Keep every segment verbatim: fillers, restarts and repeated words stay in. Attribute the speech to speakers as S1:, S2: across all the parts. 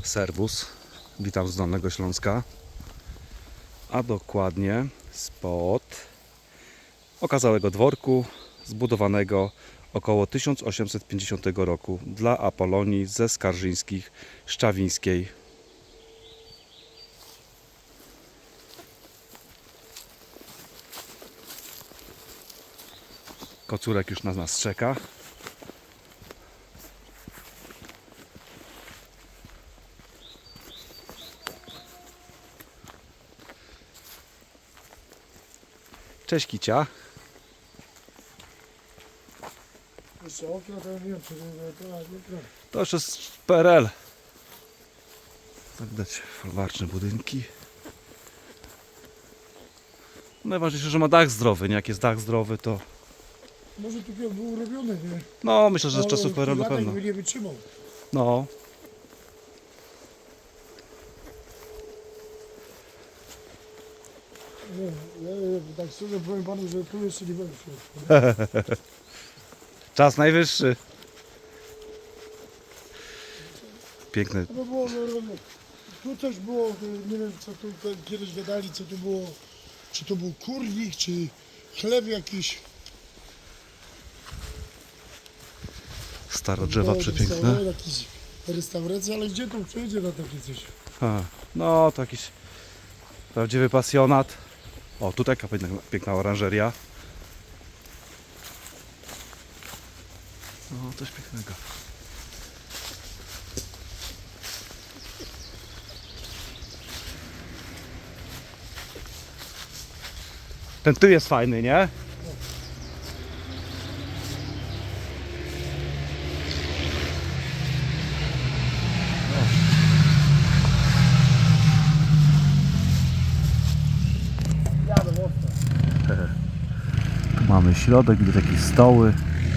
S1: Serwus, witam z Dolnego Śląska, a dokładnie spod okazałego dworku zbudowanego około tysiąc osiemset pięćdziesiątego roku dla Apolonii ze Skarżyńskich Szczawińskiej. Kocurek już na nas czeka. Cześć Kicia.
S2: Jeszcze okna to nie wiem, czy to nie
S1: To już jest P R L. Tak widać folwarczne budynki. Najważniejsze, że ma dach zdrowy, nie? Jak jest dach zdrowy, to...
S2: Może tu był urobiony, nie?
S1: No, myślę, że z
S2: Ale
S1: czasów P R L na
S2: latek
S1: pewno.
S2: by nie wytrzymał.
S1: No.
S2: Nie, ja, ja tak szczerze powiem panu, że tu jeszcze nie będę szedł.
S1: Czas najwyższy. Piękne.
S2: To było, no, no, tu coś było, nie wiem co tu te- kiedyś gadali, co tu było, czy to był kurnik, czy chleb jakiś.
S1: Stare drzewa
S2: Było
S1: przepiękne.
S2: restauracja, Jakieś restauracje, ale gdzie tu przejdzie na takie coś?
S1: A, no, to jakiś prawdziwy pasjonat. O, tutaj taka piękna, piękna oranżeria. No, coś pięknego. Ten tył jest fajny, nie?
S2: Jadę mocno.
S1: Tu mamy środek, gdzie takie stoły.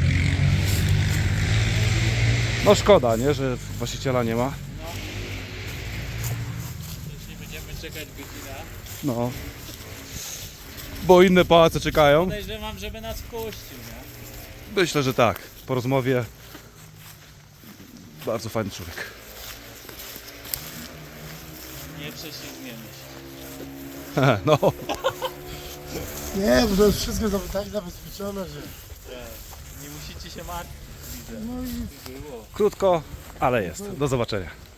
S1: No szkoda, nie, że właściciela nie ma.
S3: Jeśli będziemy czekać godzinę,
S1: No. Bo inne pałace czekają.
S3: podejrzewam, żeby nas wpuścił, nie?
S1: Myślę, że tak. Po rozmowie bardzo fajny człowiek.
S3: Nie prześlizgniemy się.
S1: No,
S2: Nie, bo to jest wszystko za- tak zabezpieczone, że...
S3: Nie musicie się martwić, widzę.
S2: No i
S3: Było.
S1: krótko, ale jest. Do zobaczenia.